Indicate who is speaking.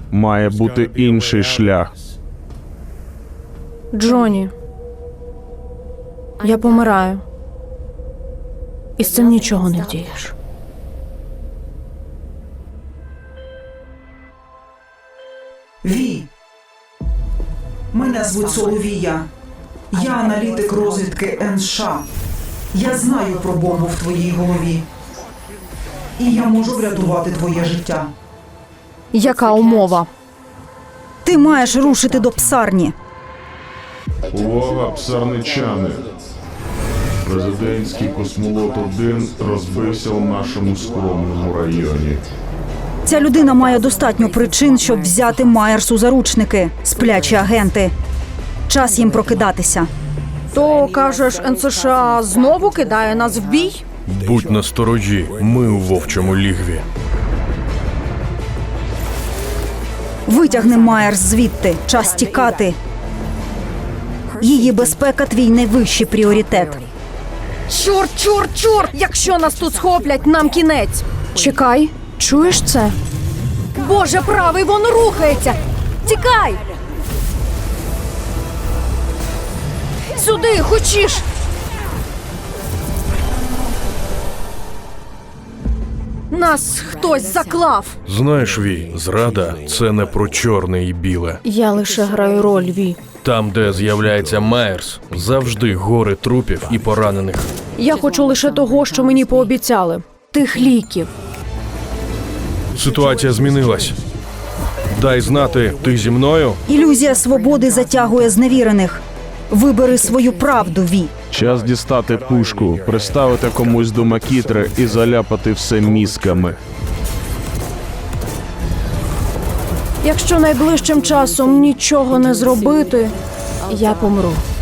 Speaker 1: Має бути інший шлях.
Speaker 2: Джоні, я помираю. І з цим нічого не вдієш.
Speaker 3: Ві. Мене звуть Соловія. Я аналітик розвідки НШ. Я знаю про бомбу в твоїй голові. І я можу врятувати твоє життя.
Speaker 2: Яка умова?
Speaker 4: Ти маєш рушити до псарні.
Speaker 1: Увага, псарничани! Президентський космолот-1 розбився в нашому скромному районі.
Speaker 4: Ця людина має достатньо причин, щоб взяти Майерс у заручники. Сплячі агенти. Час їм прокидатися.
Speaker 2: То, кажеш, НСШ знову кидає нас в бій?
Speaker 5: Будь насторожі, ми у вовчому лігві.
Speaker 4: Витягни Майерс звідти. Час тікати. Її безпека – твій найвищий пріоритет.
Speaker 2: Чорт, чорт, чорт! Якщо нас тут схоплять, нам кінець. Чекай, чуєш це? Боже правий, воно рухається! Тікай! Сюди, хочеш! Нас хтось заклав.
Speaker 5: Знаєш, Ві, зрада – це не про чорне і біле.
Speaker 2: Я лише граю роль, Ві.
Speaker 5: Там, де з'являється Майерс, завжди гори трупів і поранених.
Speaker 2: Я хочу лише того, що мені пообіцяли. Тих ліків.
Speaker 5: Ситуація змінилась. Дай знати, ти зі мною?
Speaker 4: Ілюзія свободи затягує зневірених. Вибери свою правду, Ві.
Speaker 1: Час дістати пушку, приставити комусь до макітри і заляпати все мізками.
Speaker 2: Якщо найближчим часом нічого не зробити, я помру.